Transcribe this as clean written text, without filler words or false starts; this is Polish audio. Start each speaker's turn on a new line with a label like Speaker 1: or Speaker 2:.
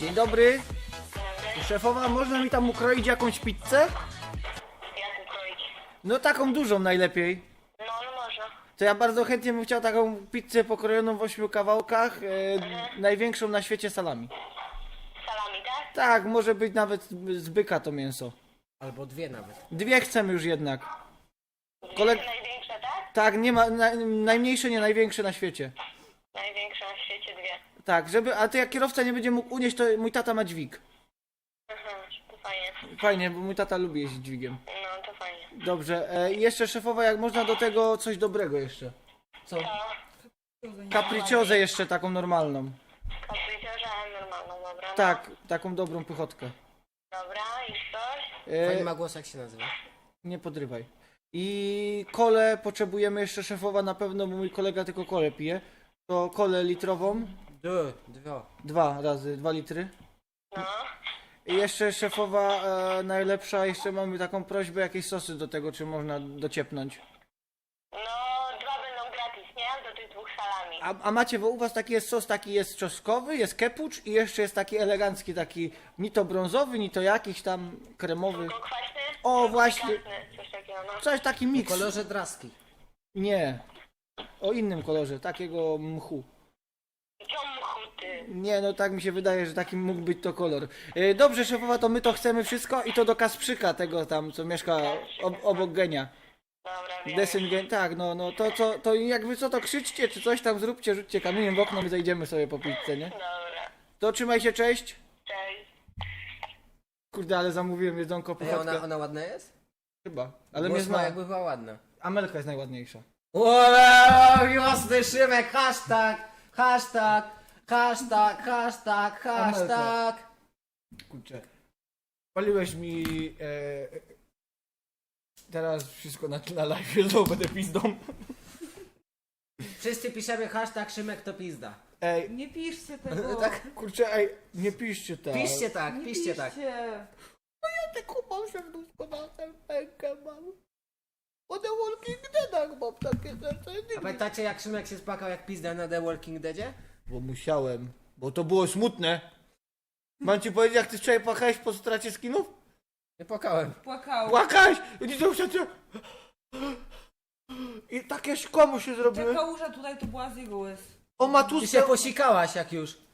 Speaker 1: Dzień dobry.
Speaker 2: Dobry.
Speaker 1: Szefowa, można mi tam ukroić jakąś pizzę?
Speaker 2: Jak ukroić?
Speaker 1: No taką dużą najlepiej.
Speaker 2: No, no można.
Speaker 1: To ja bardzo chętnie bym chciał taką pizzę pokrojoną w 8 kawałkach, największą na świecie salami.
Speaker 2: Salami, tak?
Speaker 1: Tak, może być nawet z byka to mięso.
Speaker 3: Albo dwie nawet.
Speaker 1: Dwie chcemy już jednak.
Speaker 2: Dwie największe, tak?
Speaker 1: Tak, nie ma, najmniejsze, nie największe na świecie.
Speaker 2: Największe na świecie dwie.
Speaker 1: Tak, a to jak kierowca nie będzie mógł unieść, to mój tata ma dźwig.
Speaker 2: Aha, to fajnie.
Speaker 1: Fajnie, bo mój tata lubi jeździć dźwigiem.
Speaker 2: No, to fajnie.
Speaker 1: Dobrze, i jeszcze szefowa, jak można do tego coś dobrego jeszcze. Co?
Speaker 2: To
Speaker 1: Capricciozę jeszcze taką normalną.
Speaker 2: kapriciorze, normalną, dobra. No.
Speaker 1: Tak, taką dobrą pychotkę.
Speaker 2: Dobra, i coś?
Speaker 3: Fajny ma głos, jak się nazywa?
Speaker 1: Nie podrywaj. I kolę potrzebujemy jeszcze szefowa na pewno, bo mój kolega tylko kolę pije. To kolę litrową.
Speaker 3: Dwa.
Speaker 1: 2 litry.
Speaker 2: No.
Speaker 1: I jeszcze szefowa najlepsza, jeszcze mamy taką prośbę, jakieś sosy do tego, czy można dociepnąć.
Speaker 2: No, dwa będą gratis, nie? Do tych dwóch salami.
Speaker 1: A macie, bo u was taki jest sos, taki jest czosnkowy, jest kepucz i jeszcze jest taki elegancki, taki ni to brązowy, ni to jakiś tam kremowy.
Speaker 2: Tylko kwaśny?
Speaker 1: O,
Speaker 2: Tylko
Speaker 1: właśnie.
Speaker 2: pikantny, coś takiego, no.
Speaker 1: Coś taki
Speaker 3: W
Speaker 1: miks.
Speaker 3: kolorze draski.
Speaker 1: Nie. O innym kolorze, takiego mchu.
Speaker 2: Ciom chuty.
Speaker 1: Nie, no tak mi się wydaje, że taki mógł być to kolor. Dobrze, szefowa, to my to chcemy wszystko i to do Kasprzyka, tego tam, co mieszka obok Genia.
Speaker 2: Dobra, wiem.
Speaker 1: Desyn Gen, tak, no, to jakby co, to krzyczcie, czy coś tam zróbcie, rzućcie kamieniem w okno, my zejdziemy sobie po pizzę, nie?
Speaker 2: Dobra.
Speaker 1: To trzymaj się, cześć.
Speaker 2: Cześć.
Speaker 1: Kurde, ale zamówiłem jedzonko,
Speaker 3: Ej,
Speaker 1: pychotkę.
Speaker 3: ona ładna jest?
Speaker 1: Chyba, ale
Speaker 3: Głos
Speaker 1: mnie
Speaker 3: ma,
Speaker 1: zna.
Speaker 3: jakby była ładna.
Speaker 1: Amelka jest najładniejsza.
Speaker 3: Wow, miłosny Szymek, hashtag.
Speaker 1: Kurczę. Paliłeś mi teraz wszystko na live, znowu będę pizdą.
Speaker 3: Wszyscy piszemy hashtag Szymek to pizda.
Speaker 1: Ej,
Speaker 4: Nie piszcie tego.
Speaker 3: Tak?
Speaker 1: kurczę, ej, nie piszcie tak.
Speaker 3: Piszcie tak,
Speaker 4: Nie
Speaker 3: piszcie tak.
Speaker 1: Ja taką mam serduszko na serpenkę mam. O The Walking Deadach mam takie serce.
Speaker 3: A pamiętacie jak Szymek się spakał jak pizda na The Walking Deadzie?
Speaker 1: Bo musiałem, bo to było smutne. Mam ci powiedzieć, jak ty wczoraj płakałeś po stracie skinów?
Speaker 3: Nie płakałem.
Speaker 4: Płakał.
Speaker 1: Płakałeś! I to się... I takie szkło mu się
Speaker 4: Ta
Speaker 1: zrobiły.
Speaker 4: kałuża tutaj to była z jego łez.
Speaker 1: O
Speaker 3: Ty
Speaker 1: matusce...
Speaker 3: się posikałaś jak już.